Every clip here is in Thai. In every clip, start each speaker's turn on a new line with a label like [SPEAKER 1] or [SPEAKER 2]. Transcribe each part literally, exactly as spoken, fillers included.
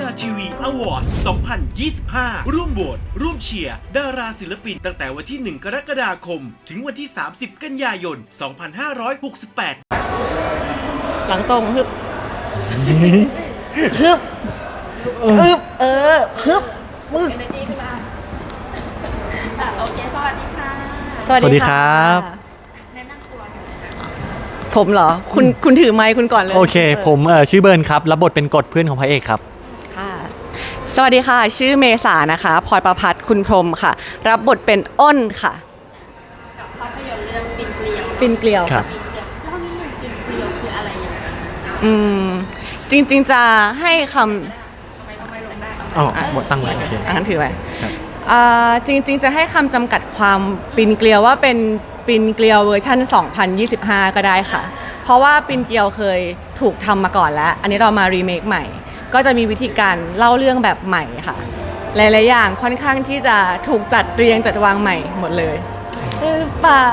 [SPEAKER 1] ทีวีอวอร์ดสองพันยี่สิบห้า ร่วมโหวตร่วมเชียร์ดาราศิลปินตั้งแต่วันที่ หนึ่ง กรกฎาคม ถึงวันที่ สามสิบ กันยายน สองพันห้าร้อยหกสิบแปด
[SPEAKER 2] หลังตรงฮึบฮึบฮึบเออฮึบมึก
[SPEAKER 3] เอเนจีขึ้นมาอ่ะโอเคสวัสดีค่ะ
[SPEAKER 2] สวัสดีครับ
[SPEAKER 3] แนะนำตัวหน่อย
[SPEAKER 2] ผมเหรอ คุณคุณถือไมค์คุณก่อนเลย
[SPEAKER 4] โอเค ผมเอ่อชื่อเบิร์นครับ รับบทเป็นกฎเพื่อนของพระเอกครับ
[SPEAKER 2] ค่ะ สวัสดีค่ะ ชื่อเมษานะคะพลอยประภัสคุณพรหมค่ะ รับบทเป็นอ้นค่ะ
[SPEAKER 3] กับภาพยนตร์เรื่องปินเกลียว
[SPEAKER 2] ปินเกลียว
[SPEAKER 4] ครั
[SPEAKER 2] ค่ะ
[SPEAKER 4] บ
[SPEAKER 3] ปินเกลียวเล่านิดหนึ่งปินเกลียวคืออะไรยังไง
[SPEAKER 2] อืมจริงๆจะให้ค
[SPEAKER 3] ทำไมทำไมลงได้
[SPEAKER 4] อ๋อหมดตั้งไว้โอเค
[SPEAKER 2] ำอ่านถือไว้
[SPEAKER 4] ครับ
[SPEAKER 2] อ่าจริงๆจะให้คำจำกัดความปินเกลียวว่าเป็นปินเกลียวเวอร์ชันสองพันยี่สิบห้า ก็ได้ค่ะ เพราะว่าปินเกลียวเคยถูกทำมาก่อนแล้ว อันนี้เรามารีเมคใหม่ ก็จะมีวิธีการเล่าเรื่องแบบใหม่ค่ะ หลายๆอย่างค่อนข้างที่จะถูกจัดเรียงจัดวางใหม่หมดเลยหรือเปล่า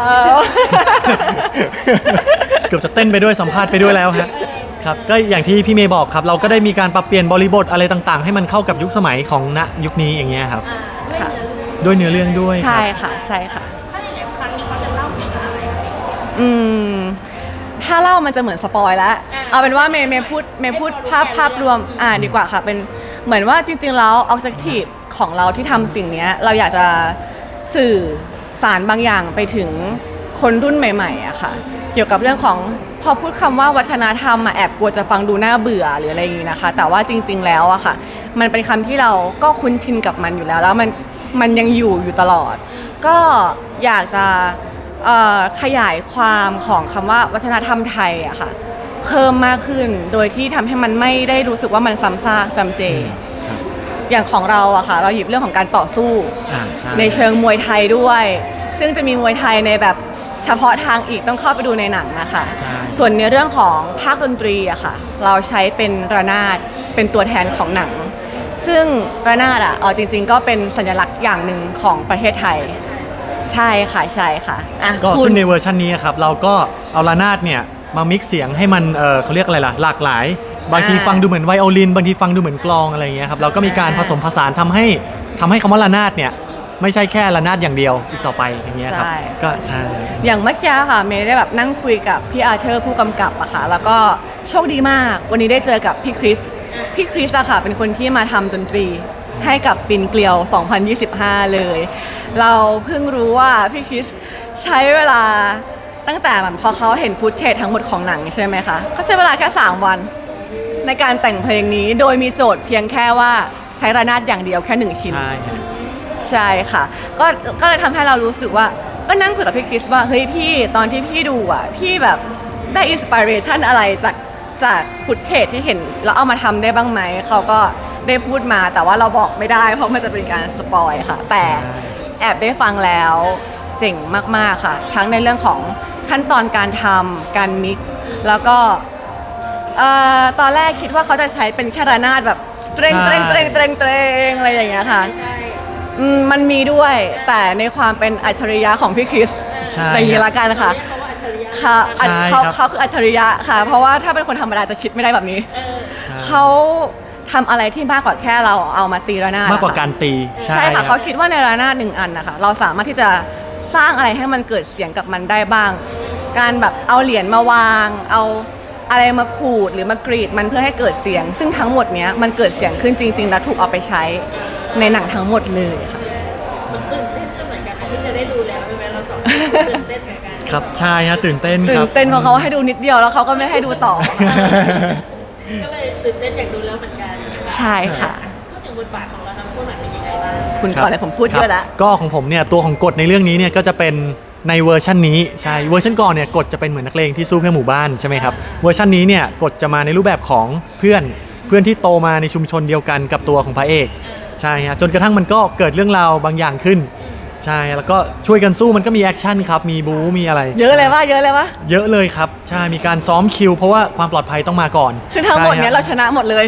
[SPEAKER 4] เกือบจะเต้นไปด้วยสัมภาษณ์ไปด้วยแล้วฮะครับก็อย่างที่พี่เมย์บอกครับ เราก็ได้มีการปรับเปลี่ยนบริบทอะไรต่างๆ ให้มันเข้ากับยุคสมัยของณยุคนี้อย่างเงี้ยครับ
[SPEAKER 3] อ่า
[SPEAKER 2] ค่ะ
[SPEAKER 4] ด้วยเนื้อเรื่องด้วย
[SPEAKER 2] ใช่
[SPEAKER 4] ครับ
[SPEAKER 2] ค่ะใช่ค่ะ
[SPEAKER 3] ถ้าอย่างนี้ครั้งนี้เขาจะเล่าเกี่ยวกับอะไรคะพี่
[SPEAKER 2] อืมถ้าเล่ามันจะเหมือนสปอยแล้ว
[SPEAKER 3] อ่า
[SPEAKER 2] เอาเป็นว่าเมย์เมย์พูดเมย์พูดภาพภาพรวมอ่าดีกว่าค่ะ เป็นเหมือนว่าจริงๆแล้ว objective ของเราที่ทำสิ่งเนี้ยเราอยากจะสื่อสารบางอย่างไปถึงคนรุ่นใหม่ๆอะค่ะ เกี่ยวกับเรื่องของพอพูดคำว่าวัฒนธรรมอะแอบกลัวจะฟังดูน่าเบื่อหรืออะไรอย่างนี้นะคะ แต่ว่าจริง ๆแล้วอะค่ะ มันเป็นคำที่เราก็คุ้นชินกับมันอยู่แล้ว แล้วมันมันยังอยู่อยู่ตลอด ก็อยากจะเอ่อขยายความของคำว่าวัฒนธรรมไทยอะค่ะเพิ่มมากขึ้นโดยที่ทำให้มันไม่ได้รู้สึกว่ามันซ้ำซากจำเจ
[SPEAKER 4] ครับ
[SPEAKER 2] อย่างของเราอะค่ะเราหยิบเรื่องของการต่อสู้
[SPEAKER 4] อ่าใช่
[SPEAKER 2] ในเชิงมวยไทยด้วย ซึ่งจะมีมวยไทยในแบบเฉพาะทางอีกต้องเข้าไปดูในหนังนะคะ
[SPEAKER 4] ใช่
[SPEAKER 2] ส่วนในเรื่องของภาคดนตรีอะค่ะเราใช้เป็นระนาดเป็นตัวแทนของหนัง ซึ่งระนาดอะเอาจริง ๆ ก็เป็นสัญลักษณ์อย่างหนึ่งของประเทศไทย ใช่ค่ะใช่ค่ะอ่ะ
[SPEAKER 4] ก็
[SPEAKER 2] คุณ
[SPEAKER 4] ซึ่งในเวอร์ชันนี้ครับเราก็เอาระนาดเนี่ยมามิกซ์เสียงให้มันเออเขาเรียกอะไรล่ะหลากหลาย บางทีฟังดูเหมือนไวโอลิน บางทีฟังดูเหมือนกลองอะไรอย่างเงี้ยครับเราก็มีการผสมผสานทำให้ทำให้คำว่าระนาดเนี่ยไม่ใช่แค่ระนาดอย่างเดียวอีกต่อไปอย่างเงี้ยครับ
[SPEAKER 2] ใช่
[SPEAKER 4] ก็ใช่
[SPEAKER 2] อย่างเมื่อกี้ค่ะเมย์ได้แบบนั่งคุยกับพี่อาร์เธอร์ผู้กำกับอะค่ะแล้วก็โชคดีมากวันนี้ได้เจอกับพี่คริสพี่คริสอะค่ะเป็นคนที่มาทำดนตรีให้กับปินเกลียว สองพันยี่สิบห้า เลย เราเพิ่งรู้ว่าพี่คริสใช้เวลาตั้งแต่แบบพอเขาเห็นฟุตเทจทั้งหมดของหนังใช่ไหมคะเขาใช้เวลาแค่สามวันในการแต่งเพลงนี้โดยมีโจทย์เพียงแค่ว่าใช้ระนาดอย่างเดียวแค่หนึ่งชิ้น
[SPEAKER 4] ใช่ฮะ
[SPEAKER 2] ใช่ค่ะก็ก็เลยทำให้เรารู้สึกว่าก็นั่งคุยกับพี่คริสว่าเฮ้ยพี่ตอนที่พี่ดูอ่ะพี่แบบได้อินสปิเรชันอะไรจากจากฟุตเทจที่เห็นแล้วเอามาทำได้บ้างไหมเขาก็ได้พูดมาแต่ว่าเราบอกไม่ได้เพราะมันจะเป็นการสปอยค่ะแต่แอบได้ฟังแล้วเจ๋งมากๆค่ะ ทั้งในเรื่องของขั้นตอนการทำการมิกซ์แล้วก็เอ่อตอนแรกคิดว่าเขาจะใช้เป็นแค่ระนาดแบบเตรงเตรงเตรงเตรงเตรงอะไรอย่างเงี้ยค่ะ
[SPEAKER 3] ใช่
[SPEAKER 2] อืมมันมีด้วยแต่ในความเป็นอัจฉริยะของพี่คริส
[SPEAKER 4] ใช่
[SPEAKER 2] อย่างนี้ละกันค่ะ
[SPEAKER 3] เรียกเขาว่าอัจฉริยะ
[SPEAKER 2] ค่ะอัจ
[SPEAKER 4] ใช่
[SPEAKER 2] เขา
[SPEAKER 4] ครับ
[SPEAKER 2] เขาคืออัจฉริยะค่ะ เพราะว่าถ้าเป็นคนธรรมดาจะคิดไม่ได้แบบนี้
[SPEAKER 3] เออ
[SPEAKER 2] เขาทำอะไรที่มากกว่าแค่เราเอามาตีระนาด
[SPEAKER 4] มากกว่า
[SPEAKER 2] อะค่ะ
[SPEAKER 4] การตี
[SPEAKER 2] ใช่ค่ะ
[SPEAKER 4] รั
[SPEAKER 2] เขา
[SPEAKER 4] บ
[SPEAKER 2] คิดว่าในระนาดหนึ่งอันนะคะเราสามารถที่จะสร้างอะไรให้มันเกิดเสียงกับมันได้บ้าง การแบบเอาเหรียญมาวาง เอาอะไรมาขูดหรือมากรีดมันเพื่อให้เกิดเสียง ซึ่งทั้งหมดเนี้ยมันเกิดเสียงขึ้นจริง ๆ และถูกเอาไปใช้ในหนังทั้งหมดเลยค่ะ
[SPEAKER 3] ตื่นเต้นก็เหมือนกันนะที่จะได้ดูแล้วใช่ไหมเราสองคนตื่นเต้นเหมือนกัน
[SPEAKER 4] ครับใช่ฮะตื่นเต้น
[SPEAKER 2] ตื่
[SPEAKER 4] ครั
[SPEAKER 2] น
[SPEAKER 4] บ
[SPEAKER 2] เต้นเพราะเขาให้ดูนิดเดียวแล้วเขาก็ไม่ให้ดูต่อ
[SPEAKER 3] ก็เลยตื่นเต้นอยากดูแล้วเหมือนกัน
[SPEAKER 2] ใช่ค่ะ
[SPEAKER 3] พูดถึงบทบาทของเราทั้งคู่หน่อยเป็นยังไงบ้าง
[SPEAKER 2] คุณก่อนเลยผมพูดเยอะแล้ว
[SPEAKER 4] ครับก็ของผมเนี่ยตัวของกฎในเรื่องนี้เนี่ยก็จะเป็นในเวอร์ชันนี้ใช่เวอร์ชันก่อนเนี่ยกฎจะเป็นเหมือนนักเลงที่สู้เพื่อหมู่บ้านใช่ไหมครับเวอร์ชันนี้เนี่ยกฎจะมาในรูปแบบของเพื่อนเพื่อนที่โตมาในชุมชนเดียวกันกับตัวของพระเอกใช่ฮะจนกระทั่งมันก็เกิดเรื่องราวบางอย่างขึ้นใช่แล้วก็ช่วยกันสู้มันก็มีแอคชั่นครับมีบู๊มีอะไร
[SPEAKER 2] เยอะเลยว่าเยอะเลยว่า
[SPEAKER 4] เยอะเลยครับใช่มีการซ้อมคิวเพราะว่าความปลอดภัยต้องมาก่อน
[SPEAKER 2] ซึ่งทั้งหมดเนี้ยเรา
[SPEAKER 4] ใช่
[SPEAKER 2] ชนะหมดเลย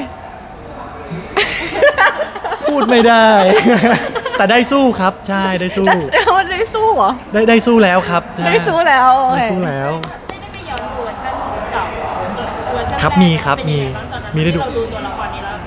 [SPEAKER 4] พูดไม่ได้ แต่ได้สู้ครับใช่ได้สู้
[SPEAKER 2] แล้วมันได้สู้เหรอ
[SPEAKER 4] ได้ได้สู้แล้วครับใช่
[SPEAKER 2] ได้สู้แล้วโอ
[SPEAKER 4] ได้
[SPEAKER 2] เค
[SPEAKER 4] สู้แล้ว
[SPEAKER 3] ได้ได้ไปย้อนเวอร์ชันเก่าเวอร์ชัน
[SPEAKER 4] ครับ
[SPEAKER 3] แก
[SPEAKER 4] มีครับ
[SPEAKER 3] เป็นยังไงางตอนนั้น
[SPEAKER 4] มีมีได้ดู
[SPEAKER 3] ที่เราดูตัวละครนี้แล้วความรู้สึก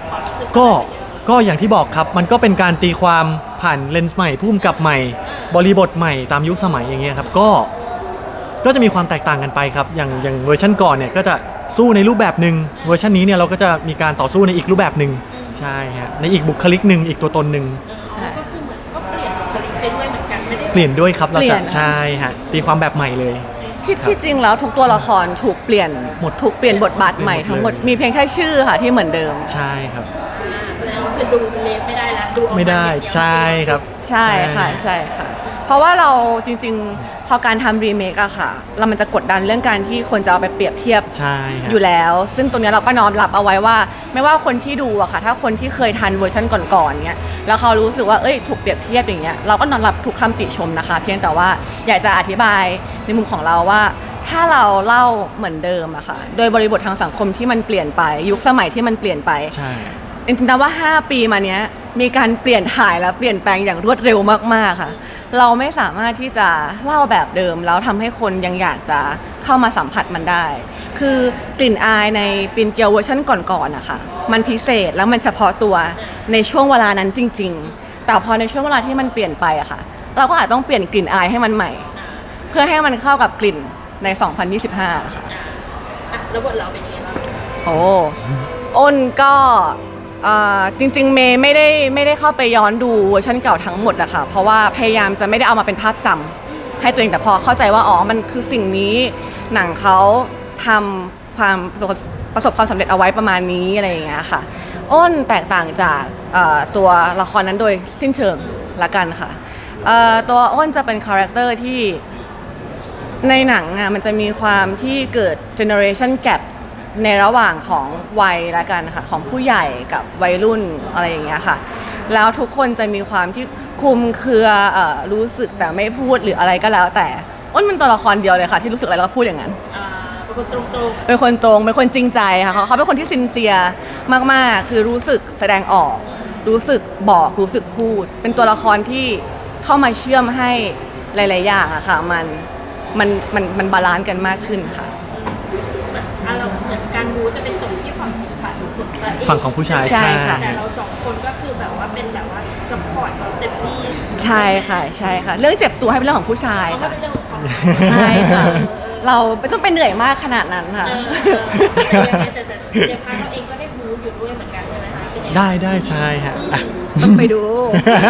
[SPEAKER 4] ก็ก็อย่างที่บอกครับมันก็เป็นการตีความผ่านเลนส์ใหม่พุ่มกับใหม่ บริบทใหม่ตามยุคสมัยอย่างเงี้ยครับก็ก็จะมีความแตกต่างกันไปครับอย่างอย่างเวอร์ชันก่อนเนี่ยก็จะสู้ในรูปแบบหนึ่งเวอร์ชันนี้เนี่ยเราก็จะมีการต่อสู้ในอีกรูปแบบหนึ่งใช่ฮะในอีกบุคลิกหนึ่งอีกตัวตนหนึ่ง
[SPEAKER 3] ก็คือเหมือนก็เปลี่ยนบุคลิกไปด้วยเหมือนกันไม่ได้
[SPEAKER 4] เปลี่ยนด้วยครับเรา
[SPEAKER 2] เปลี่
[SPEAKER 4] จะ
[SPEAKER 2] ยนนะ
[SPEAKER 4] ใช่ฮะตีความแบบใหม่เลย
[SPEAKER 2] ที่ที่จริงแล้วทุกตัวละครถูกเปลี่ยน
[SPEAKER 4] หมด
[SPEAKER 2] ถูกเปลี่ยนบทบาทใหม่ทั้งหมด
[SPEAKER 4] เปลี่ยนหมดเลย
[SPEAKER 2] มีเพียงแค่ชื่อค่ะที่เหมือนเดิม
[SPEAKER 4] ใช่ครับ
[SPEAKER 3] แสดงว่าคือดูเลฟไม่ได้ละดูออกา
[SPEAKER 4] ไม่ได้
[SPEAKER 3] อย่างเยว
[SPEAKER 4] ใช่ครับ
[SPEAKER 2] ใช่ค่ะใช่ค่ะ เพราะว่าเราจริงๆ พอการทำรีเมคอะค่ะ เรามันจะกดดันเรื่องการที่คนจะเอาไปเปรียบเทียบ
[SPEAKER 4] ใช่ฮะ
[SPEAKER 2] อยู่แล้ว ซึ่งตรงเนี้ยเราก็น้อมรับเอาไว้ว่า ไม่ว่าคนที่ดูอะค่ะ ถ้าคนที่เคยทันเวอร์ชันก่อนๆเนี้ยแล้วเขารู้สึกว่าเอ้ยถูกเปรียบเทียบอย่างเงี้ยเราก็น้อมรับทุกคำติชมนะคะ เพียงแต่ว่าอยากจะอธิบายในมุมของเราว่า ถ้าเราเล่าเหมือนเดิมอะค่ะ โดยบริบททางสังคมที่มันเปลี่ยนไป ยุคสมัยที่มันเปลี่ยนไป
[SPEAKER 4] ใช่
[SPEAKER 2] จริงๆนะว่า ห้า ปีมาเนี้ยมีการเปลี่ยนถ่ายและเปลี่ยนแปลงอย่างรวดเร็วมากๆค่ะ เราไม่สามารถที่จะเล่าแบบเดิมแล้วทำให้คนยังอยากจะเข้ามาสัมผัสมันได้ คือกลิ่นอายในปินเกียวเวอร์ชันก่อนๆนะคะมันพิเศษแล้วมันเฉพาะตัวในช่วงเวลานั้นจริง ๆ แต่พอในช่วงเวลาที่มันเปลี่ยนไปอะค่ะ เราก็อาจต้องเปลี่ยนกลิ่นอายให้มันใหม่ เพื่อให้มันเข้ากับกลิ่นใน สองพันยี่สิบห้า ค่ะ
[SPEAKER 3] อ่ะแล้วบทเราเป็นยังไงบ้าง
[SPEAKER 2] โอ้อ้นก็เอ่อจริงๆเมย์ไม่ได้ไม่ได้เข้าไปย้อนดูเวอร์ชันเก่าทั้งหมดอะค่ะเพราะว่าพยายามจะไม่ได้เอามาเป็นภาพจำให้ตัวเองแต่พอเข้าใจว่าอ๋อมันคือสิ่งนี้หนังเขาทำความประสบประสบความสำเร็จเอาไว้ประมาณนี้อะไรอย่างเงี้ยค่ะอ้นแตกต่างจากเอ่อตัวละครนั้นโดยสิ้นเชิงละกันค่ะเอ่อตัวอ้นจะเป็นคาแรคเตอร์ที่ในหนังอะมันจะมีความที่เกิด generation gap ในระหว่างของวัยละกันค่ะของผู้ใหญ่กับวัยรุ่นอะไรอย่างเงี้ยค่ะแล้วทุกคนจะมีความที่คลุมเครือเอ่อรู้สึกแต่ไม่พูดหรืออะไรก็แล้วแต่อ้นเป็นตัวละครเดียวเลยค่ะที่รู้สึกอะไรแล้วก็พูดอย่างนั้น
[SPEAKER 3] อ่าเป็นคนตรง
[SPEAKER 2] เป็นคนตรงเป็นคนจริงใจค่ะเขาเขาเป็นคนที่ซินเซียมากๆ คือรู้สึกแสดงออก รู้สึกบอกรู้สึกพูด เป็นตัวละครที่เข้ามาเชื่อมให้หลายๆอย่างอะค่ะมันมันมันมันบาลานซ์กันมากขึ้นค่ะ
[SPEAKER 3] ๆแบบอ่ะเราเหมือนการบูจะเป็นตรงที่ฝั่งของฝ่ายของตัวเอง
[SPEAKER 4] ฝั่งของผู้ชาย
[SPEAKER 2] ใช่ค่ะ
[SPEAKER 3] แต่เราสองคนก็คือแบบว่าเป็นแบบว่าซัพพอร์ตเขาเต็มที่
[SPEAKER 2] ใช่ค่ะใช่ค่ะ เรื่องเจ็บตัวให้เป็นเรื่องของผู้ชาย
[SPEAKER 3] เขาก็
[SPEAKER 2] ค่ะ
[SPEAKER 3] เป็นเรื่องของเขา
[SPEAKER 2] ใช่ค่ะ เราไม่ต้องไปเหนื่อยมากขนาดนั้นค่ะ
[SPEAKER 3] เออเออแต่แต่แต่ในพาร์ทเราเองก็ได้บูอยู่ด้วยเหมือนกันใช่ไหมคะเป็นยังไง
[SPEAKER 4] ได้ได้ใช่ฮะอ่ะ
[SPEAKER 2] ต้องไปดู
[SPEAKER 3] เอ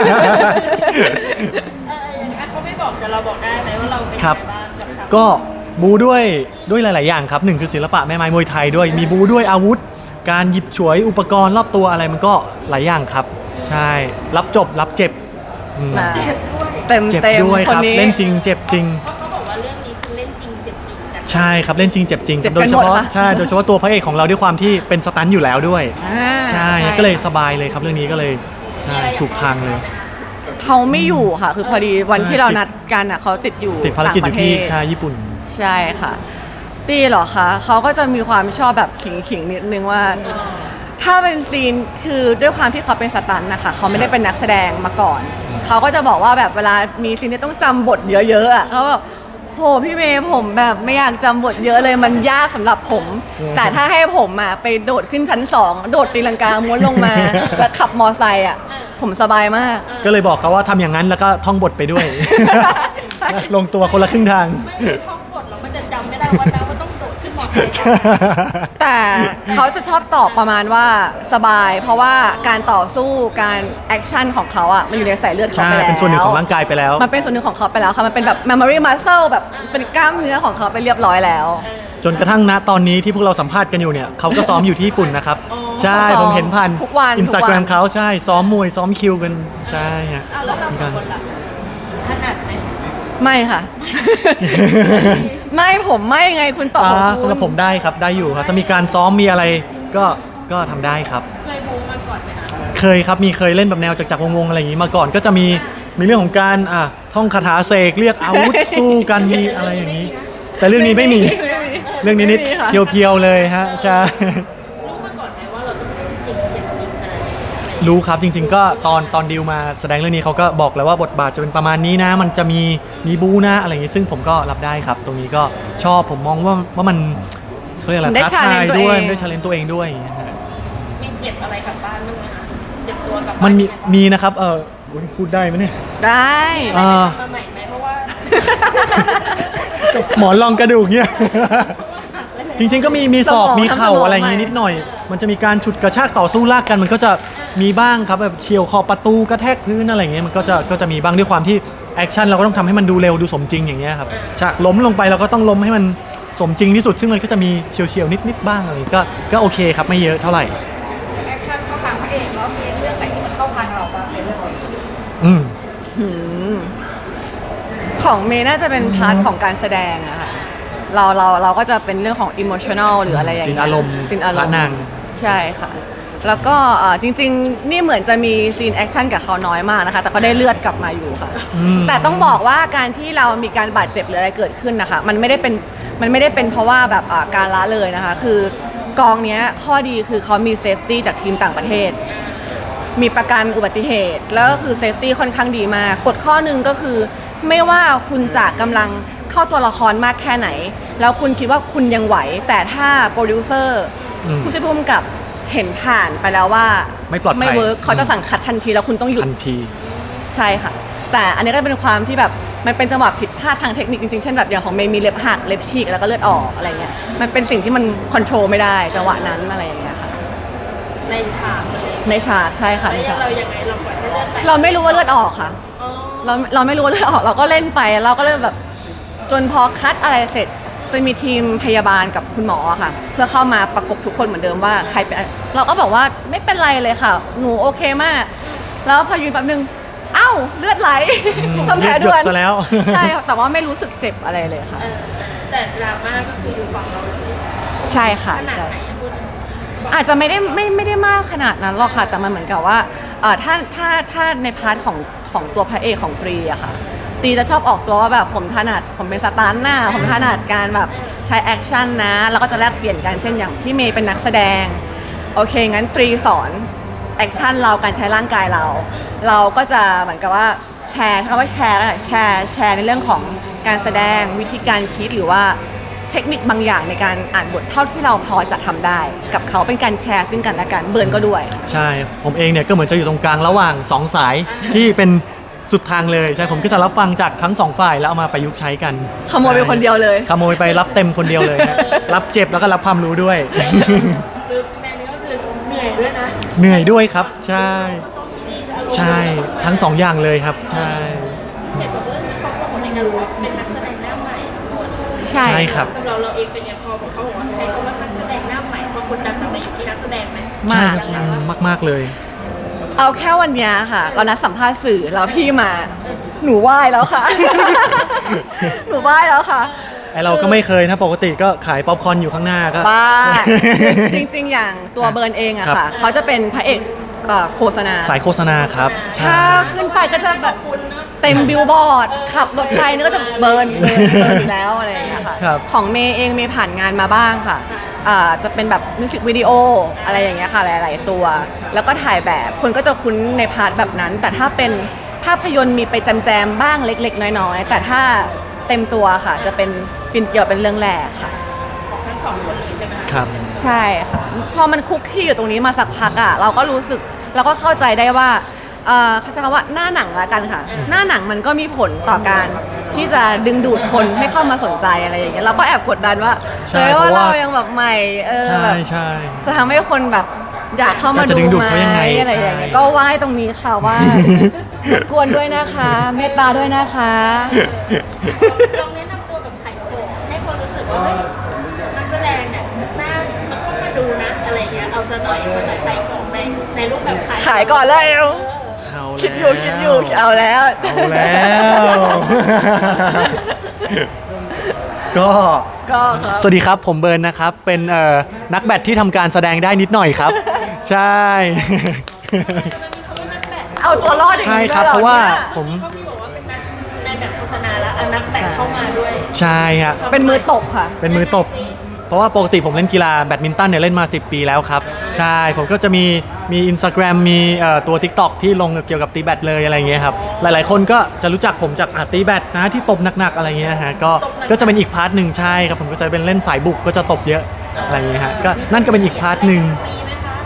[SPEAKER 3] ออย่างนั้นเขาไม่บอกแต่เราบอกได้ไหมว่าเราเป็น
[SPEAKER 4] ครั
[SPEAKER 3] ยัง
[SPEAKER 4] บ
[SPEAKER 3] ไงบ้างกับเขา
[SPEAKER 4] ก็บูด้วยด้วยหลาย ๆ อย่างครับหนึ่งคือศิลปะแม่ไม้มวยไทยด้วยมีบูด้วยอาวุธ การหยิบฉวยอุปกรณ์รอบตัวอะไรมันก็หลายอย่างครับ ใช่รับจบรับเจ็บอืม
[SPEAKER 2] มา
[SPEAKER 3] เจ็บด้วย
[SPEAKER 2] เต็ม
[SPEAKER 4] เจ็บ
[SPEAKER 2] เต็ม
[SPEAKER 4] ด้วย
[SPEAKER 2] ค
[SPEAKER 4] คน รับ
[SPEAKER 2] นี้
[SPEAKER 4] เล่นจริงเจ็บจริง
[SPEAKER 3] เพราะเขาบอกว่าเรื่องนี้คือเล่นจริงเจ็บจริงกัน
[SPEAKER 4] ใช่ครับเล่นจริงเจ็บจริง
[SPEAKER 2] เจ็บ
[SPEAKER 4] โดยเฉ
[SPEAKER 2] กันหม
[SPEAKER 4] พาะ
[SPEAKER 2] ดค่ะ
[SPEAKER 4] ใช่โดยเฉพาะตัวพระเอกของเราด้วยความที่เป็นสตันท์อยู่แล้วด้วย
[SPEAKER 2] อ่า
[SPEAKER 4] ใช่ก็เลยสบายเลยครับเรื่องนี้ก็เลยใช่ถูกทางเลย
[SPEAKER 2] เขาไม่อยู่ค่ะ คือพอดีวันที่เรานัดกันอ่ะเขาติดอยู่
[SPEAKER 4] ติดภารกิจอยู่ที่
[SPEAKER 2] ต่างประเทศ
[SPEAKER 4] ใช่ญี่ปุ่น
[SPEAKER 2] ใช่ค่ะตีเหรอคะเขาก็จะมีความชอบแบบขิงขิงๆนิดนึงว่า ถ้าเป็นซีนคือด้วยความที่เขาเป็นสตันท์นะคะเขาไม่ได้เป็นนักแสดงมาก่อน เขาก็จะบอกว่าแบบเวลามีซีนที่ต้องจำบทเยอะๆอ่ะเขาแบบโหพี่เมย์ผมแบบไม่อยากจำบทเยอะเลยมันยากสำหรับผม แต่ถ้าให้ผมอ่ะไปโดดขึ้นชั้นสองโดดตีลังกาม้วนลงมา แล้วขับมอไซค์อ่ะผมสบายมาก
[SPEAKER 4] ก็เลยบอกเขาว่าทำอย่างนั้นแล้วก็ท่องบทไปด้วย ลงตัวคนละครึ่งทาง
[SPEAKER 3] ไม่มีท่องบทเราก็จะจำไม่ได้ว่านะว่าต้องโดดขึ้นมอเตอร์ไซค์
[SPEAKER 2] แต่เขาจะชอบตอบประมาณว่าสบาย เพราะว่าการต่อสู้การแอคชั่นของเขาอ่ะมันอยู่ในสายเลือดเขา
[SPEAKER 4] ใช่
[SPEAKER 2] ไปแล้ว
[SPEAKER 4] เป็นส่วนหนึ่งของร่างกายไปแล้ว
[SPEAKER 2] มันเป็นส่วนหนึ่งของเขาไปแล้วค่ะมันเป็นแบบ memory muscle แบบเป็นกล้ามเนื้อของเขาไปเรียบร้อยแล้ว
[SPEAKER 4] จนกระทั่งณตอนนี้ที่พวกเราสัมภาษณ์กันอยู่เนี่ยเขาก็ซ้อมอยู่ที่ญี่ปุ่นนะครับ ใช่
[SPEAKER 2] เขาซ้อม
[SPEAKER 4] ผมเห็นผ่าน
[SPEAKER 2] ทุกวัน
[SPEAKER 4] อินสตาแกรม
[SPEAKER 2] ทุกวัน
[SPEAKER 4] เขาใช่ซ้อมมวยซ้อมคิวกันใช่ฮะ
[SPEAKER 3] อ้าวแล้วเราสองคนล่ะถนัดไหม
[SPEAKER 2] ไม่ค่ะ ไม่ผมไม่ไงคุณตอบของ
[SPEAKER 4] อ่า
[SPEAKER 2] คุณ
[SPEAKER 4] สำหรับผมได้ครับได้อยู่ครับถ้ามีการซ้อมมีอะไรก็ก็ทำได้ครับ
[SPEAKER 3] เคยบูมาก่อนไหมคะ
[SPEAKER 4] เคยครับมีเคยเล่นแบบแนวจักรจักรวงศ์ๆอะไรอย่างนี้มาก่อนก็จะมีมีเรื่องของการอ่ะท่องคาถาเสกเรียกอาวุธ สู้กันมีอะไรอย่างนี้ แต่เรื่องนี้ไม่มี เรื่องนี้นิด
[SPEAKER 2] ไม่มีค่ะ
[SPEAKER 4] เพียวๆเลยฮะใช่
[SPEAKER 3] รู้มาก่อนไหมว่าเราจะเป็นจริงเจ็บจริงขนาดนี้
[SPEAKER 4] รู้ครับจริง ๆ ก็ตอนตอนดิวมาแสดงเรื่องนี้เขาก็บอกแล้วว่าบทบาทจะเป็นประมาณนี้นะ มันจะมีมีบูนะอะไรอย่างนี้ซึ่งผมก็รับได้ครับ ตรงนี้ก็ชอบผมมองว่าว่ามันเขาเรียกอะไร
[SPEAKER 2] ได้
[SPEAKER 4] ท้าทาย
[SPEAKER 2] challenge ตัว
[SPEAKER 4] ด้วย
[SPEAKER 2] เอง
[SPEAKER 4] ได้ชาเลนตัวเองด้วยอย่างเงี้ยฮะ
[SPEAKER 3] มีเจ็บอะไรกลับบ้านบ้างไหมคะเจ็บตัวกลับบ้าน
[SPEAKER 4] มันมีมีนะครับเอออุ๊ยพูดได้ไหมเนี่ย
[SPEAKER 2] ได้
[SPEAKER 3] มีอะไรทำมาใหม่ไหมเพราะว่า
[SPEAKER 4] หมอนรองกระดูกเนี่ย จริงๆก็มีมีศอกมีเข่าอะไรอย่างงี้นิดหน่อย มันจะมีการฉุดกระชากต่อสู้ลากกันมันก็จะมีบ้างครับแบบเฉียวขอบประตูกระแทกพื้นอะไรอย่างเงี้ยมันก็จะก็จะมีบ้างด้วยความที่แอคชั่นเราก็ต้องทำให้มันดูเร็วดูสมจริงอย่างเงี้ยครับฉากล้มลงไปเราก็ต้องล้มให้มันสมจริงที่สุดซึ่งมันก็จะมีเฉียวๆนิดๆบ้างอะไรก็ก็โอเคครับไม่เยอะเท่าไหร่
[SPEAKER 3] แอคชั่นเข้าทางพระเอกแล้วมีเรื่องไหนที่มันเข้าทางเราบ้างในเรื่องนี้
[SPEAKER 4] อืม
[SPEAKER 2] หืมของเมย์น่าจะเป็นพาร์ทของการแสดงอะค่ะเราเราเราก็จะเป็นเรื่องของอิโมชัน a ลหรืออะไรอย่าง
[SPEAKER 4] ซี
[SPEAKER 2] เงี้
[SPEAKER 4] น
[SPEAKER 2] ย
[SPEAKER 4] อารมณ์
[SPEAKER 2] ซีนอาร
[SPEAKER 4] พระ
[SPEAKER 2] มณ์
[SPEAKER 4] นาง
[SPEAKER 2] ใช่ค่ะ แล้วก็เอ่อจริงๆ นี่เหมือนจะมีซีนแอคชั่นกับเขาน้อยมากนะคะ แต่ก็ได้เลือดกลับมาอยู่ค่ะ
[SPEAKER 4] อืม
[SPEAKER 2] แต่ต้องบอกว่าการที่เรามีการบาดเจ็บหรืออะไรเกิดขึ้นนะคะ มันไม่ได้เป็นมันไม่ได้เป็นเพราะว่าแบบอ่าการละเลยนะคะ คือกองเนี้ยข้อดีคือเขามีเซฟตี้จากทีมต่างประเทศ มีประกันอุบัติเหตุ แล้วก็คือเซฟตี้ค่อนข้างดีมากกฎข้อหนึ่งก็คือ ไม่ว่าคุณจะกำลังเข้าตัวละครมากแค่ไหน แล้วคุณคิดว่าคุณยังไหว แต่ถ้าโปรดิวเซอร์
[SPEAKER 4] อืม
[SPEAKER 2] ผู้ช่วยผู้กำกับเห็นผ่านไปแล้วว่า
[SPEAKER 4] ไม่ปลอดภัย
[SPEAKER 2] ไม่เวิร์กเขาจะสั่งคัดทันทีแล้วคุณต้องหยุด
[SPEAKER 4] ทันที
[SPEAKER 2] ใช่ค่ะ แต่อันนี้ก็เป็นความที่แบบมันเป็นจังหวะผิดพลาดทางเทคนิคจริงๆ เช่นแบบอย่างของเมย์มีเล็บหักเล็บฉีกแล้วก็เลือดออกอะไรเงี้ย มันเป็นสิ่งที่มันคอนโทรลไม่ได้จังหวะนั้นอะไรอย่างเงี้ยค่ะ
[SPEAKER 3] ในฉากเลย
[SPEAKER 2] ในฉากใช่ค่ะใน
[SPEAKER 3] แล้ว
[SPEAKER 2] ฉาก
[SPEAKER 3] เรายังไงเราปล่อยให้เลือดไหล
[SPEAKER 2] เราไม่รู้ว่าเลือดออกค่ะ
[SPEAKER 3] อ๋อ
[SPEAKER 2] เราเราไม่รู้ว่าเลือดออกเราก็เล่นไปเราก็เลยแบบจนพอคัดอะไรเสร็จจะมีทีมพยาบาลกับคุณหมออะค่ะ เพื่อเข้ามาประกบทุกคนเหมือนเดิมว่าใครเป็นอะไรเราก็บอกว่าไม่เป็นไรเลยค่ะ หนูโอเคมาก แล้วพอยืนแป๊บนึงเอ้าเลือดไหล
[SPEAKER 4] อืม
[SPEAKER 2] ทำแผลด่วน
[SPEAKER 4] เลือดหยดซะแล้ว
[SPEAKER 2] ใช่ค่ะแต่ว่าไม่รู้สึกเจ็บอะไรเลยค่ะ
[SPEAKER 3] เออแต่ดราม่าก็คืออยู่ฝั่งเราเลย
[SPEAKER 2] ใช่ค่ะ
[SPEAKER 3] ขนาด
[SPEAKER 2] ใช่
[SPEAKER 3] ไหนอะพูด
[SPEAKER 2] อาจจะไม่ได้ไม่ไม่ได้มากขนาดนั้นหรอกค่ะ แต่มันเหมือนกับว่าเอ่อถ้าถ้าถ้าในพาร์ทของของตัวพระเอกของตรีอะค่ะตรีจะชอบออกตัวว่าแบบผมถนัดผมเป็นสตันท์น่ะผมถนัดการแบบใช้แอคชั่นนะแล้วก็จะแลกเปลี่ยนกันเช่นอย่างพี่เมย์เป็นนักแสดงโอเคงั้นตรีสอนแอคชั่นเราการใช้ร่างกายเรา เราก็จะเหมือนกับว่าแชร์คำว่าแชร์แล้วแชร์แชร์ในเรื่องของการแสดงวิธีการคิดหรือว่าเทคนิคบางอย่างในการอ่านบทเท่าที่เราพอจะทำได้ กับเขาเป็นการแชร์ซึ่งกันและกันเบิร์นก็ด้วย
[SPEAKER 4] ใช่ผมเองเนี่ยก็เหมือนจะอยู่ตรงกลางระหว่างสองสายที่เป็นสุดทางเลยใช่ผมก็จะรับฟังจากทั้งสองฝ่ายแล้วเอามาประยุกต์ใช้กัน
[SPEAKER 2] ขโมยไปคนเดียวเลย
[SPEAKER 4] ขโมยไปรับเต็มคนเดียวเลยฮะ รับเจ็บแล้วก็รับความรู้ด้วย
[SPEAKER 3] คือในนี้ก็คือเหนื่อยด้วยนะ
[SPEAKER 4] เหนื่อยด้วยครับ ใช่
[SPEAKER 3] ต้องมีอารมณ์
[SPEAKER 4] ใช่ทั้งสองอย่างเลยครับใช่
[SPEAKER 3] เห็นบอกว่าเรื่องนี้เขาบอกว่าในการว่าเป็นนักแสดงหน้าใหม่ทั้งหมด
[SPEAKER 2] ใช่
[SPEAKER 4] ใช่ครับ
[SPEAKER 3] สำหรับเราเองเป็นไงพอเขาบอกว่าใช้คำว่านักแสดงหน้าใหม่ความกดดันมันอยู่ที่นักแสดงไหม
[SPEAKER 4] ใช่
[SPEAKER 2] มาก
[SPEAKER 4] ครับมากมากๆเลย
[SPEAKER 2] เอาแค่วันเนี้ยค่ะเรานัดสัมภาษณ์สื่อแล้วพี่มา หนูไหว้แล้วค่ะ หนูไหว้แล้วค่ะ
[SPEAKER 4] ไอเราก็ไม่เคยนะปกติก็ขายป๊อปคอร์นอยู่ข้างหน้าก็
[SPEAKER 2] บ้า จริงๆ อย่างตัวเบิร์นเองอะ
[SPEAKER 4] ครับ
[SPEAKER 2] ค่ะ เขาจะเป็นพระเอกเอ่อโฆษณา
[SPEAKER 4] สายโฆษณาครับ
[SPEAKER 2] ถ้า
[SPEAKER 4] ใช่
[SPEAKER 2] ขึ้นไปก็จะแบบ
[SPEAKER 3] คุณเนอะ
[SPEAKER 2] เต็มบิลบอร์ด ขับรถไปนี่ก็จะเบิร์นเบิร์นเบิร์นอยู่แล้วอะไรอย่างเงี้ยค่ะ
[SPEAKER 4] ครับ
[SPEAKER 2] ของเมย์เองเมย์ผ่านงานมาบ้างค่ะอ่าจะเป็นแบบมิวสิกวิดีโออะไรอย่างเงี้ยค่ะหลาย ๆ ตัว แล้วก็ถ่ายแบบคนก็จะคุ้นในพาร์ทแบบนั้น แต่ถ้าเป็นภาพยนตร์มีไปแจมๆบ้างเล็ก ๆ น้อย ๆ แต่ถ้าเต็มตัวค่ะ จะเป็นปินเกียวเป็นเรื่องแรกค่ะ
[SPEAKER 3] ของทั้งสองคนเลยใช่ไหมคะ
[SPEAKER 4] ครับ
[SPEAKER 2] ใช่ค่ะ พอมันคุกคีอยู่ตรงนี้มาสักพักอ่ะเราก็รู้สึกเราก็เข้าใจได้ว่าเอ่อเขาใช้คำว่าหน้าหนังละกันค่ะ หน้าหนังมันก็มีผลต่อการที่จะดึงดูดคนให้เข้ามาสนใจอะไรอย่างเงี้ยเราก็แอบกดดันว่า
[SPEAKER 4] ใช่
[SPEAKER 2] เออ
[SPEAKER 4] เพ
[SPEAKER 2] ว่า
[SPEAKER 4] ราะว่า
[SPEAKER 2] เรายังแบบใหม่เออ
[SPEAKER 4] ใช่
[SPEAKER 2] แบบ
[SPEAKER 4] ใช่
[SPEAKER 2] จะทำให้คนแบบอยากเข้ามา
[SPEAKER 4] จะดึ
[SPEAKER 2] ดู
[SPEAKER 4] งดูด
[SPEAKER 2] ไหม
[SPEAKER 4] เขายังไง
[SPEAKER 2] อะไรอย่างเงี้ย
[SPEAKER 4] ใช่
[SPEAKER 2] ก็ไหว้ตรงนี้ค่ะว่ารบกวนด้วยนะคะ เมตตาด้วยนะคะ
[SPEAKER 3] ลองแนะนำตัวแบบไข่โขงให้คนรู้สึกว่าเฮ้ยนักแสดงเนี่ยน่ามาเข้ามาดูนะอะไรเงี้ยเอาซะหน่อยคนไหนไข่โขงในในรูปแบบขาย
[SPEAKER 2] ขายก่อนแล้ว
[SPEAKER 3] เออ
[SPEAKER 4] เอา
[SPEAKER 2] คิดอยู่คิดอยู่เอาแล้ว
[SPEAKER 4] เอาแล้ว ก็
[SPEAKER 2] ก็ครับ
[SPEAKER 4] สวัสดีครับผมเบิร์นนะครับ เป็นเอ่อนักแบดที่ทำการแสดงได้นิดหน่อยครับ ใช่
[SPEAKER 3] มันมีคำว่านักแบด
[SPEAKER 2] เอาตัวรอดอย่าง
[SPEAKER 4] ใช่
[SPEAKER 2] นี้
[SPEAKER 4] ค
[SPEAKER 2] ด้
[SPEAKER 4] รั
[SPEAKER 2] ว
[SPEAKER 4] บ
[SPEAKER 2] ยเหรอ
[SPEAKER 4] เพราะว่า
[SPEAKER 2] นี่ย
[SPEAKER 4] ผม
[SPEAKER 3] เขามีบอกว่าเป็นนักในแบบโฆษณาแล้วเอานักแบดเข้ามาด้วย
[SPEAKER 4] ใช่ฮะ
[SPEAKER 2] เป็นมือตบค่ะ
[SPEAKER 4] เป็นมือตบ เพราะว่าปกติผมเล่นกีฬาแบดมินตันเนี่ยเล่นมาสิบปีแล้วครับ ใช่ผมก็จะมีมี Instagram มีเอ่อตัว TikTok ที่ลงเกี่ยวกับตีแบดเลยอะไรเงี้ยครับ หลายๆคนก็จะรู้จักผมจากอ่ะตีแบดนะที่ตบหนักๆอะไรเงี้ยฮะก็ก็จะเป็นอีกพาร์ทหนึ่งใช่ครับผมก็จะเป็นเล่นสายบุกก็จะตบเยอะอะไรเงี้ยฮะก็นั่นก็เป็นอีกพาร์ทหนึ่ง
[SPEAKER 3] ตีไหมคะ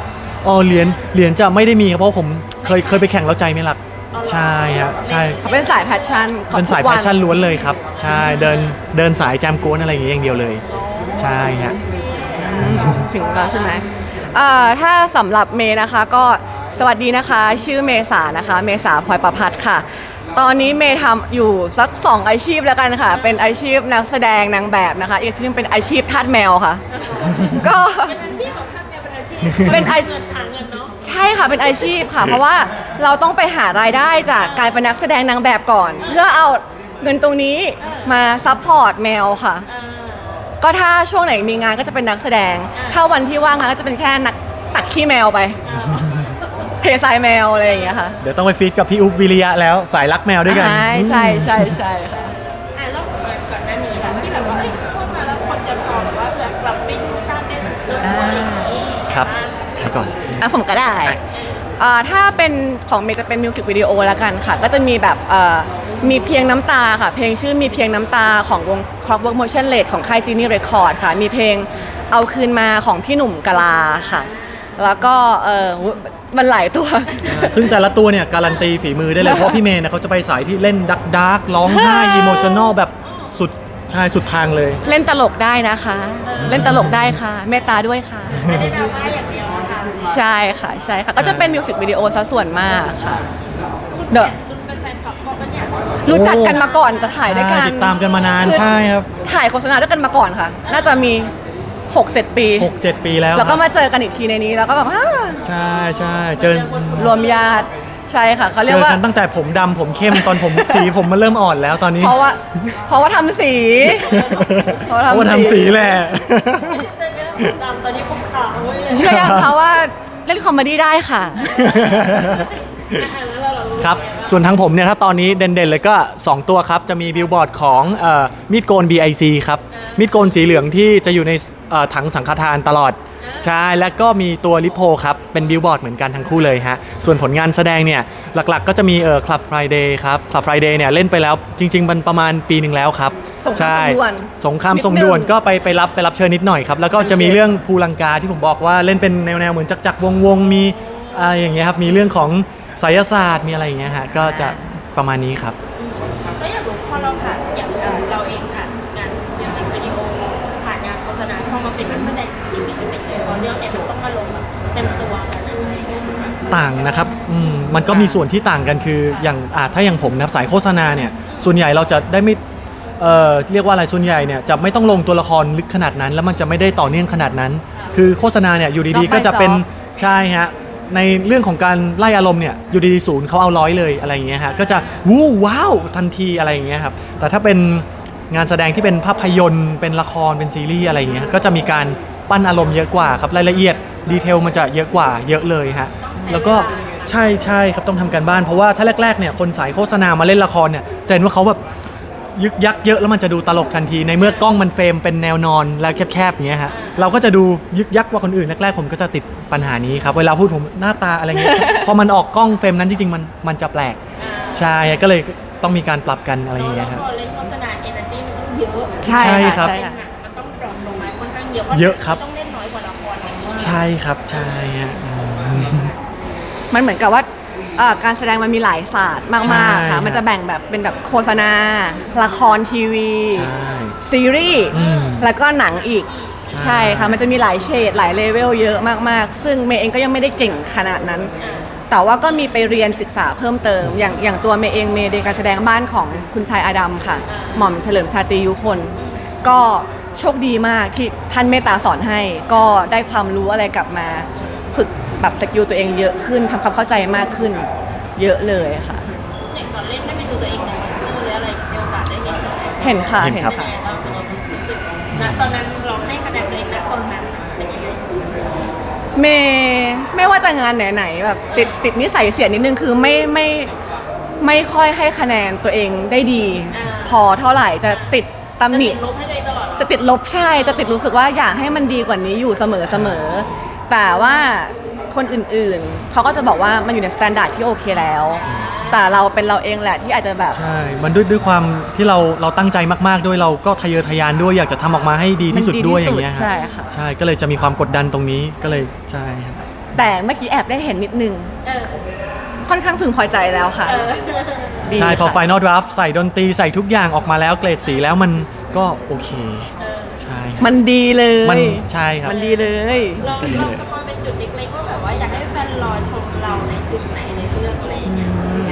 [SPEAKER 4] อ๋อเหรียญเหรียญจะไม่ได้มีครับเพราะผมเคยเคยไปแข่งแล้วใจไม่หลักใช่ฮะใช่
[SPEAKER 2] เขาเป็นสายแพชชั่นของ
[SPEAKER 4] เป็นสาย
[SPEAKER 2] ทุก
[SPEAKER 4] แพ
[SPEAKER 2] วั
[SPEAKER 4] ชชั่นล้วนเลยครับใช่เดินเดินสายแจมกวนอะไรอย่างเงี้ยอย่างเดียวเลยใช่ฮะ
[SPEAKER 2] อืมถึงแล้วใช่ไหมอ่าถ้าสำหรับเมย์นะคะก็สวัสดีนะคะ ชื่อเมษานะคะ เมษาพลอยประพัฒน์ค่ะ ตอนนี้เมย์ทำอยู่สักสองอาชีพแล้วกันค่ะ เป็นอาชีพนักแสดงนางแบบนะคะ อีกอาชีพเป็นอาชีพทาสแมวค่ะ ก็
[SPEAKER 3] เป็นอาชีพของท่านเนี่ยเป็นอาชีพ
[SPEAKER 2] เป็นอา
[SPEAKER 3] เงินหาเงินเนาะ
[SPEAKER 2] ใช่ค่ะเป็นอาชีพค่ะ เพราะว่าเราต้องไปหารายได้จากการเป็นนักแสดงนางแบบก่อน เพื่อเอาเงินตรงนี้มาซัพพอร์ตแมวค่ะ
[SPEAKER 3] อ่า
[SPEAKER 2] ก็ถ้าช่วงไหนมีงานก็จะเป็นนักแสดง ถ้าวันที่ว่างงานก็จะเป็นแค่นักตักขี้แมวไป เททรายแมวอะไรอย่างเงี้ยค่ะ
[SPEAKER 4] เดี๋ยวต้องไปฟีดกับพี่อุ๊บวิริยะแล้วสายรักแมวด้วยกัน
[SPEAKER 2] ใช่ใช่ใช่ใช่ค่ะ
[SPEAKER 3] อ่ะแล้วก่อนหน้านี้ค่ะที่แบบว่าเอ้ยพูดมาแล้วคนจะมองแบบว่าแบบเราเป็นการเป็นเรื่องอะไรอย่างนี้
[SPEAKER 4] ครับใครก่อน
[SPEAKER 2] อ่ะผมก็ได้อ่าถ้าเป็นของเมย์จะเป็นมิวสิกวิดีโอแล้วกันค่ะ ก็จะมีแบบเอ่อมีเพียงน้ำตาค่ะ เพลงชื่อมีเพียงน้ำตาของวง Clockwork Motion Rate ของค่าย Genie Record ค่ะ มีเพลงเอาคืนมาของพี่หนุ่มกะลาค่ะ แล้วก็เออมันหลายตัว
[SPEAKER 4] ซึ่งแต่ละตัวเนี่ยการันตีฝีมือได้เลย เพราะพี่เมย์เนี่ยเขาจะไปสายที่เล่นดักดาร์กร้องไห้อิโมชัน a ลแบบสุดใช่สุดทางเลย
[SPEAKER 2] เล่นตลกได้นะคะ เล่นตลกได้ค่ะ เมตตาด้วยค่ะ
[SPEAKER 3] ไม่ได้ดราม่าอย่างเดียวนะคะ
[SPEAKER 2] ใช่ค่ะ ใช่ค่ะ ก็จะเป็นมิวสิกวิดีโอซะส่วนมากค่ะเดอะ
[SPEAKER 3] คุณเป็นแฟนคลับก็เป็นอย่าง
[SPEAKER 2] รู้จักกันมาก่อนจะถ่ายด้วยกัน
[SPEAKER 4] ใช่ติดตามกันมานาน
[SPEAKER 2] คือ
[SPEAKER 4] ใช่ครับ
[SPEAKER 2] ถ่ายโฆษณาด้วยกันมาก่อนค่ะ น่าจะมี หกเจ็ด ปี
[SPEAKER 4] หกเจ็ด ปีแล้ว
[SPEAKER 2] แล้วก็
[SPEAKER 4] ครับ
[SPEAKER 2] มาเจอกันอีกทีในนี้ แล้วก็แบบอ้า
[SPEAKER 4] ใช่ใช่เจอ
[SPEAKER 2] รวมญาติ ใช่ค่ะเขาเรี
[SPEAKER 4] เจ
[SPEAKER 2] ยก
[SPEAKER 4] อ
[SPEAKER 2] ว่า
[SPEAKER 4] กันตั้งแต่ผมดำผมเข้มตอนผม สีผมมันเริ่มอ่อนแล้วตอนนี้
[SPEAKER 2] เพราะว่า เพราะว่าทำสี เพราะว่า
[SPEAKER 4] เพราะว่า
[SPEAKER 2] ทำ
[SPEAKER 4] ทำ
[SPEAKER 2] สี
[SPEAKER 4] สีแหละ
[SPEAKER 3] เจอกันผมดำตอนนี้ผมขาวเว้ย
[SPEAKER 2] เชื่อยังคะว่าเล่นคอมเมดี้ได้ค่ะ
[SPEAKER 3] อ่ะแล้วเราเรารู้
[SPEAKER 4] ครับ
[SPEAKER 3] ไงว่า
[SPEAKER 4] ส่วนทางผมเนี่ยถ้าตอนนี้เด่นๆเลยก็ สอง ตัวครับ จะมีบิลบอร์ดของเอ่อมีดโกน บี ไอ ซี ครับ มีดโกนสีเหลืองที่จะอยู่ในเอ่อถังสังฆทานตลอด ใช่ แล้วก็มีตัวลิโพครับ เป็นบิลบอร์ดเหมือนกันทั้งคู่เลยฮะ ส่วนผลงานแสดงเนี่ย หลักๆก็จะมีเอ่อ Club Friday ครับ Club Friday เนี่ยเล่นไปแล้วจริงๆ มันประมาณปีหนึ่งแล้วครับ
[SPEAKER 2] สงคราม
[SPEAKER 4] ใช่
[SPEAKER 2] ส่งด่วน
[SPEAKER 4] สงคราม
[SPEAKER 2] นิดนึง
[SPEAKER 4] ส่งด่วนก็ไปไปรับไปรับเชิญนิดหน่อยครับ แล้วก็จะมีเรื่องภูลังกาที่ผมบอกว่าเล่นเป็นแนวๆเหมือนจักรจักรวงวงๆมีอะไรอย่างเงี้ยครับ มีเรื่องของไสยศาสตร์มีอะไรอย่างเงี้ยฮะ ก็จะประมาณนี้ครับ
[SPEAKER 3] ก็อยากรู้พอเราผ่านอย่างเอ่อเราเองผ่านงานมิวสิกวิดีโอผ่านงานโฆษณาพอมาเป็นนักแสดงจริงๆเป็นยังไงพอเรื่องเนี่ยมันต้องมาลงแบบเต็มตัวกันอะไรอย่างเงี้ย
[SPEAKER 4] ต่างนะครับอืมมันก็มีส่วนที่ต่างกันคืออย่างอ่าถ้าอย่างผมนะครับสายโฆษณาเนี่ย ส่วนใหญ่เราจะได้ไม่เอ่อเรียกว่าอะไรส่วนใหญ่เนี่ยจะไม่ต้องลงตัวละครลึกขนาดนั้น แล้วมันจะไม่ได้ต่อเนื่องขนาดนั้น คือโฆษณาเนี่ยอยู่ดี
[SPEAKER 2] Job
[SPEAKER 4] ๆ ก็จะเป็น
[SPEAKER 2] by job
[SPEAKER 4] ใช่ฮะในเรื่องของการไล่อารมณ์เนี่ยอยู่ดีๆศูนย์เขาเอาร้อยเลยอะไรอย่างเงี้ยฮะก็จะวู้ว้าวทันทีอะไรอย่างเงี้ยครับแต่ถ้าเป็นงานแสดงที่เป็นภาพยนตร์เป็นละครเป็นซีรีส์อะไรอย่างเงี้ยก็จะมีการปั้นอารมณ์เยอะกว่าครับรายละเอียดดีเทลมันจะเยอะกว่าเยอะเลยฮะแล้วก็ใช่ใช่ครับต้องทำการบ้านเพราะว่าถ้าแรกๆเนี่ยคนสายโฆษณามาเล่นละครเนี่ยจะเห็นว่าเขาแบบยึกยักเยอะแล้วมันจะดูตลกทันทีในเมื่อกล้องมันเฟรมเป็นแนวนอนแล้วแคบๆอย่างเงี้ยฮะเราก็จะดูยึกยักกว่าคนอื่นแรกๆผมก็จะติดปัญหานี้ครับเวลาพูดผมหน้าตาอะไรเงี้ย พอมันออกกล้องเฟรมนั้นจริงๆมันมันจะแปลกใช่ก็เลยต้องมีการปรับกันอะไรอย่างเงี้ยครับ
[SPEAKER 3] พอเล่นโฆษณาเอเนอร์จีมันต้องเยอะ
[SPEAKER 2] ใช่
[SPEAKER 4] ใช่ครั
[SPEAKER 2] ค่ะ
[SPEAKER 4] บ
[SPEAKER 2] ใช่
[SPEAKER 3] เป็น
[SPEAKER 2] ค่ะ
[SPEAKER 3] หนังมันต้องดรอปลงมาค่อนข้างเยอะพรา
[SPEAKER 4] เยอะครับ
[SPEAKER 3] ต้องเล่นน้อยกว่าละครอย่างนี้
[SPEAKER 4] ใช่ครับใช่ฮะอืม
[SPEAKER 2] มันเหมือนกับว่าเอ่อการแสดงมันมีหลายศาสตร์มากๆ
[SPEAKER 4] ใช่
[SPEAKER 2] ค่ะ
[SPEAKER 4] ฮะ
[SPEAKER 2] มันจะแบ่งแบบเป็นแบบโฆษณา ละครทีวี
[SPEAKER 4] ใช่
[SPEAKER 2] ซีรีส์
[SPEAKER 4] อืม
[SPEAKER 2] แล้วก็หนังอีก
[SPEAKER 4] ใช่
[SPEAKER 2] ใช่ค่ะ มันจะมีหลายเฉดหลายเลเวลเยอะมากๆ ซึ่งเมย์เองก็ยังไม่ได้เก่งขนาดนั้น แต่ว่าก็มีไปเรียนศึกษาเพิ่มเติม อย่างอย่างตัวเมย์เองเมย์เรียนการแสดงบ้านของคุณชายอาดัมค่ะ หม่อมเฉลิมชาตรียุคน ก็โชคดีมากที่ท่านเมตตาสอนให้ ก็ได้ความรู้อะไรกลับมา ฝึกแบบสกิลตัวเองเยอะขึ้นทำความเข้าใจมากขึ้น เยอะเลยค่ะ
[SPEAKER 3] อย่างตอนเล่นได้ไปดูตัวเองในมือหรืออะไรมีโอกาสได้เห็นไหม
[SPEAKER 2] เห็นค่ะ
[SPEAKER 4] เห็น
[SPEAKER 2] เห็น
[SPEAKER 4] ครับ
[SPEAKER 2] ค่ะ
[SPEAKER 3] เรารู้สึกณตอนนั้นเราให้คะแนนตัวเองณตอนนั้นเป็นยังไง
[SPEAKER 2] เมย์ไม่ว่าจะงานไหนๆแบบติดติดนิสัยเสียนิดนึงคือไม่ไม่ไม่ค่อยให้คะแนนตัวเองได้ดี พอเท่าไหร่จะติดตำหนิ
[SPEAKER 3] จะติดลบให้ตัวเองตลอดเหรอ
[SPEAKER 2] จะติดลบใช่จะติดรู้สึกว่าอยากให้มันดีกว่านี้อยู่เสมอเสมอแต่ว่าคนอื่นๆเขาก็จะบอกว่ามันอยู่ในสแตนดาร์ดที่โอเคแล้ว แต่เราเป็นเราเองแหละที่อาจจะแบบ
[SPEAKER 4] ใช่ มันด้วยด้วยความที่เราเราตั้งใจมากๆด้วยเราก็ทะเยอทะยานด้วยอยากจะทำออกมาให้ดีที่สุดด้วยอย่างเงี้ยฮะ
[SPEAKER 2] ใช่ค่ะ
[SPEAKER 4] ใช่ก็เลยจะมีความกดดันตรงนี้ก็เลยใช่ครับ
[SPEAKER 3] อ
[SPEAKER 2] แต่เมื่อกี้แอบได้เห็นนิดนึง
[SPEAKER 3] เออ
[SPEAKER 2] ค่อนข้างพึงพอใจแล้วค่ะ
[SPEAKER 3] เออ
[SPEAKER 2] ดี
[SPEAKER 4] ใช่พอ
[SPEAKER 2] ค่ะ
[SPEAKER 4] Final Draft ใส่ดนตรีใส่ทุกอย่างออกมาแล้วเกรดสีแล้วมันก็โอเค
[SPEAKER 3] เออ
[SPEAKER 4] ใช่
[SPEAKER 2] มันดีเลย
[SPEAKER 4] มันใช่ครับ
[SPEAKER 2] มันดีเลย
[SPEAKER 3] ลองลองสปอยเป็นจุดเล็กๆว่าแบบว่าอยากให้แฟนรอชมเราในจุดไหนในเรื่องอะไรอย่างเงี้ยไหม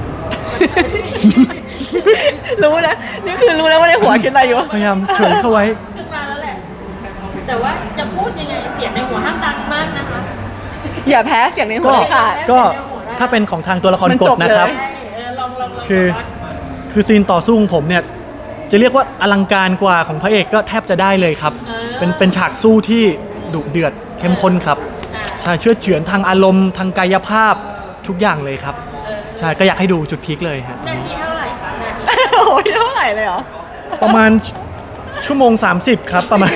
[SPEAKER 2] รู้นะนี่คือรู้แล้วว่าในหัวคิดอะไรอยู่
[SPEAKER 4] พยายามเฉยเข้าไว้
[SPEAKER 3] ขึ้นมาแล้วแหละ แต่ว่าจะพูดยังไงเสียงในหัวห้ามดังมากนะคะ
[SPEAKER 2] อย่าแพ้เสียงในหั
[SPEAKER 4] ก็
[SPEAKER 2] วเลยค่ะ
[SPEAKER 4] ก็ถ้าเป็นของทางตัวละคร
[SPEAKER 2] มัน
[SPEAKER 4] ก
[SPEAKER 2] จ
[SPEAKER 4] ด
[SPEAKER 2] บเลย
[SPEAKER 4] นะครับ
[SPEAKER 3] ใช่เออลองลองลอง
[SPEAKER 4] คือ
[SPEAKER 3] ว่า
[SPEAKER 4] คือซีนต่อสู้ของผมเนี่ย จะเรียกว่าอลังการกว่าของพระเอกก็แทบจะได้เลยครับ เป็นเป็นฉากสู้ที่ดุเดือดเข้มข้นครับ
[SPEAKER 3] อ่า
[SPEAKER 4] ใช่เชื่อดเฉือนทางอารมณ์ทางกายภาพทุกอย่างเลยครับ
[SPEAKER 3] เออ
[SPEAKER 4] ใช่ก็อยากให้ดูจุดพีคเลยฮะ
[SPEAKER 3] นาทีเท่าไหร่คะนาที
[SPEAKER 2] โอ้ยเท่าไหร่เลยเหรอ
[SPEAKER 4] ประมาณชั่วโมง สามสิบ ครับประมาณ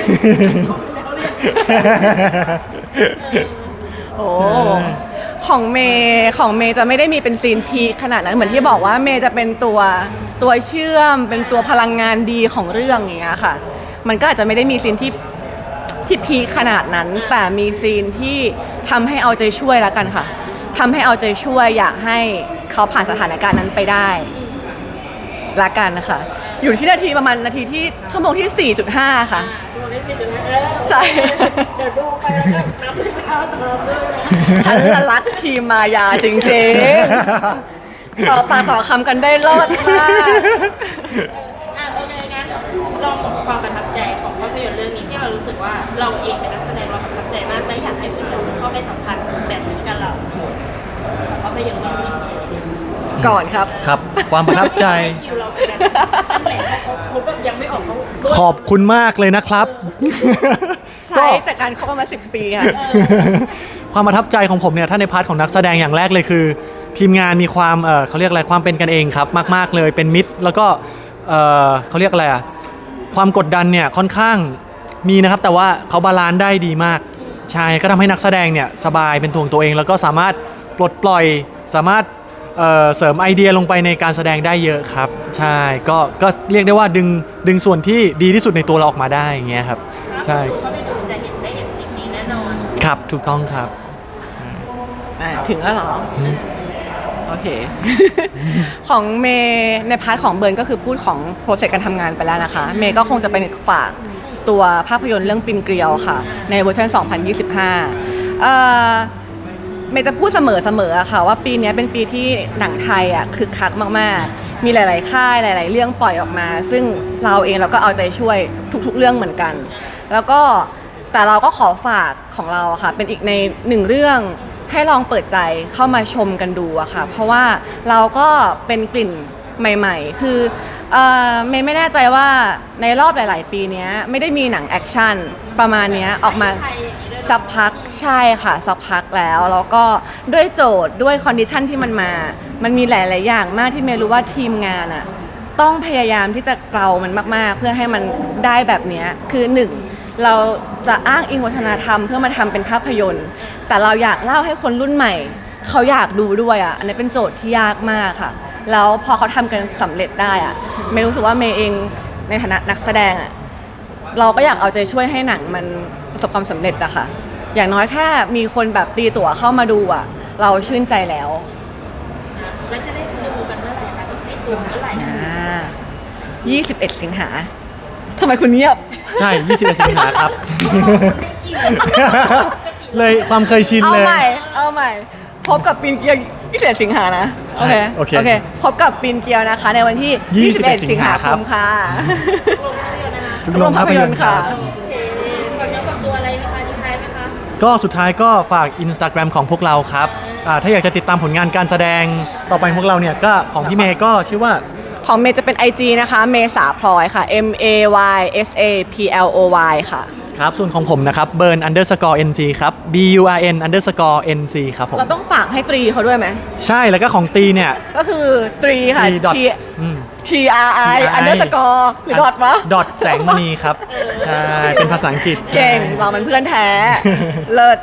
[SPEAKER 2] โอ้ของเมย์ของเมย์จะไม่ได้มีเป็นซีนพีคขนาดนั้นเหมือนที่บอกว่าเมย์จะเป็นตัวตัวเชื่อม เป็นตัวพลังงานดีของเรื่องอย่างเงี้ยค่ะ มันก็อาจจะไม่ได้มีซีนที่ที่พีคขนาดนั้น แต่มีซีนที่ทำให้เอาใจช่วยแล้วกันค่ะทำให้เอาใจช่วยอยากให้เขาผ่านสถานการณ์นั้นไปได้ละกันนะคะอยู่ที่นาทีประมาณนาทีที่ชั่วโมงที่ สี่จุดห้า ค่ะ
[SPEAKER 3] ดูได้สิดูนะเออ
[SPEAKER 2] ใช่
[SPEAKER 3] เดี๋ยวดูไปแล้วก็นับเวลาตามด้วยนะ
[SPEAKER 2] ฉันละรักทีมมายาจริงๆ ต่อปากต่อคำกันได้รอดมาก
[SPEAKER 3] อ่ะโอเคงั้นลองบอกความประทับใจของภาพยนตร์เรื่องนี้ที่เรารู้สึกว่าเราเองเป็นนักแสดงเราประทับใจมากและอยากให้ผู้ชมเข้าไปสัมผัสแบบนี้กับเราภาพยนตร์เรื่องนี้
[SPEAKER 2] ก่อนครับ
[SPEAKER 4] ครับ ความประทับใจ
[SPEAKER 3] คิวเราเป็นนั่นแหละเขาเขาแบบยังไม่ออกเขา
[SPEAKER 4] ขอบคุณมากเลยนะครับ
[SPEAKER 2] ใช้จากการคบกันมาสิบปีค่ะ
[SPEAKER 4] ความประทับใจของผมเนี่ยถ้าในพาร์ทของนักแสดงอย่างแรกเลยคือ ทีมงานมีความเอ่อเขาเรียกอะไรความเป็นกันเองครับมาก ๆเลยเป็นมิตร แล้วก็เอ่อเขาเรียกอะไรอะความกดดันเนี่ยค่อนข้างมีนะครับ แต่ว่าเขาบาลานซ์ได้ดีมากใช่ก็ทำให้นักแสดงเนี่ยสบายเป็นตัวของตัวเอง แล้วก็สามารถปลดปล่อยสามารถเอ่อเสริมไอเดียลงไปในการแสดงได้เยอะครับใช่ก็ก็เรียกได้ว่าดึงดึงส่วนที่ดีที่สุดในตัวเราออกมาได้อย่างเงี้ยครับใช่
[SPEAKER 3] เขาไปดูจะเห็นได้เห็นสิ่งนี้แน่นอน
[SPEAKER 4] ครับถูกต้องครับ
[SPEAKER 2] อ่ะถึงแล้วเหรอ
[SPEAKER 4] อืม
[SPEAKER 2] โอเค ของเมย์ในพาร์ทของเบิร์นก็คือพูดของโปรเซสการทำงานไปแล้วนะคะ เมย์ก็คงจะเป็นฝากตัวภาพยนตร์เรื่องปินเกลียวค่ะ ในเวอร์ชันสองพันยี่สิบห้าเอ่อเมย์จะพูดเสมอเสมออะค่ะว่าปีนี้เป็นปีที่หนังไทยอ่ะคึกคักมากๆ มีหลาย ๆ ค่ายหลาย ๆ เรื่องปล่อยออกมา ซึ่งเราเองเราก็เอาใจช่วยทุก ๆ เรื่องเหมือนกัน แล้วก็แต่เราก็ขอฝากของเราอะค่ะ เป็นอีกในหนึ่งเรื่องให้ลองเปิดใจเข้ามาชมกันดูอะค่ะ เพราะว่าเราก็เป็นกลิ่นใหม่ ๆ คือเอ่อเมย์ไม่แน่ใจว่าในรอบหลาย ๆ ปีเนี้ยไม่ได้มีหนังแอคชั่นประมาณเนี้ยออกมา
[SPEAKER 3] ไทยอย่างนี้ด้วย
[SPEAKER 2] สักพักใช่ค่ะสักพักแล้ว แล้วก็ด้วยโจทย์ด้วยคอนดิชันที่มันมา มันมีหลาย ๆ อย่างมากที่เมย์รู้ว่าทีมงานอะต้องพยายามที่จะเกลามันมาก ๆ เพื่อให้มันได้แบบเนี้ยคือหนึ่งเราจะอ้างอิงวัฒนธรรมเพื่อมาทำเป็นภาพยนตร์ แต่เราอยากเล่าให้คนรุ่นใหม่ เขาอยากดูด้วยอ่ะอันนี้เป็นโจทย์ที่ยากมากค่ะ แล้วพอเขาทำกันสำเร็จได้อ่ะเมย์รู้สึกว่าเมย์เองในฐานะนักแสดงอ่ะเราก็อยากเอาใจช่วยให้หนังมันประสบความสำเร็จอะค่ะอย่างน้อยแค่มีคนแบบตีตั๋วเข้ามาดูอ่ะเราชื่นใจแล้ว
[SPEAKER 3] แล้วจะได้ดูกันเมื่อไหร่คะได้ดูเมื่อไหร่นะ
[SPEAKER 2] อ่ายี่สิบเอ็ดสิงหาทำไมคุณเงียบ
[SPEAKER 4] ใช่ยี่สิบเอ็ดสิงหาครับ
[SPEAKER 3] ได้คิว
[SPEAKER 4] เลยความเคยชิน
[SPEAKER 2] เอา
[SPEAKER 4] เลย
[SPEAKER 2] ใหม่ เอาใหม่ พบกับปีนเกียวยี่สิบเอ็ดสิงหานะ โอเค
[SPEAKER 4] โอเค
[SPEAKER 2] โอเค พบกับปีนเกียวนะคะ ในวันที่
[SPEAKER 4] ยี่
[SPEAKER 2] ยี่
[SPEAKER 4] สิ
[SPEAKER 2] สิ
[SPEAKER 4] บบ เอ็
[SPEAKER 2] เอ็
[SPEAKER 4] ด
[SPEAKER 2] ด
[SPEAKER 4] สิ
[SPEAKER 2] สิ
[SPEAKER 4] ง
[SPEAKER 2] ง
[SPEAKER 4] หา
[SPEAKER 2] หา
[SPEAKER 4] ครั
[SPEAKER 2] ค
[SPEAKER 4] บ
[SPEAKER 2] มค่ะ
[SPEAKER 3] ลงภาพยนตร์นะคะ
[SPEAKER 4] ทุกโรงภาพยนตร์ครับ
[SPEAKER 3] โอเคฝากเนื้อฝากตัวอะไรนะคะทิ้งท้ายไหมคะ
[SPEAKER 4] ก็สุดท้ายก็ฝาก Instagram ของพวกเราครับอ่าถ้าอยากจะติดตามผลงานการแสดงต่อไปของพวกเราเนี่ยก็ของพี่เมย์ก็ชื่อว่า
[SPEAKER 2] ของเมย์จะเป็น ไอ จี นะคะ เมษาพลอยค่ะ M A Y S A P L O Y ค่ะ
[SPEAKER 4] ครับส่วนของผมนะครับ burn underscore nc ครับ b u r n underscore nc ครับผม
[SPEAKER 2] เราต้องฝากให้ตรีเขาด้วยไหม
[SPEAKER 4] ใช่แล้วก็ของตีเนี่ย
[SPEAKER 2] ก็คือตรีค่ะ
[SPEAKER 4] ตี dot
[SPEAKER 2] T
[SPEAKER 4] อืม
[SPEAKER 2] T R I underscore หรือดอทวะ
[SPEAKER 4] ดอทแสงมณีครับ ใช่ เป็นภาษาอังกฤษ
[SPEAKER 2] เก่ง
[SPEAKER 4] ใช่
[SPEAKER 2] เรามันเพื่อนแท้ เลิศ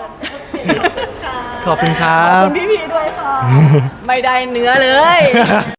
[SPEAKER 4] ขอบคุณครั
[SPEAKER 2] ขอบบ คุณพี่พีด้วยค่ะ ไม่ได้เนื้อเลย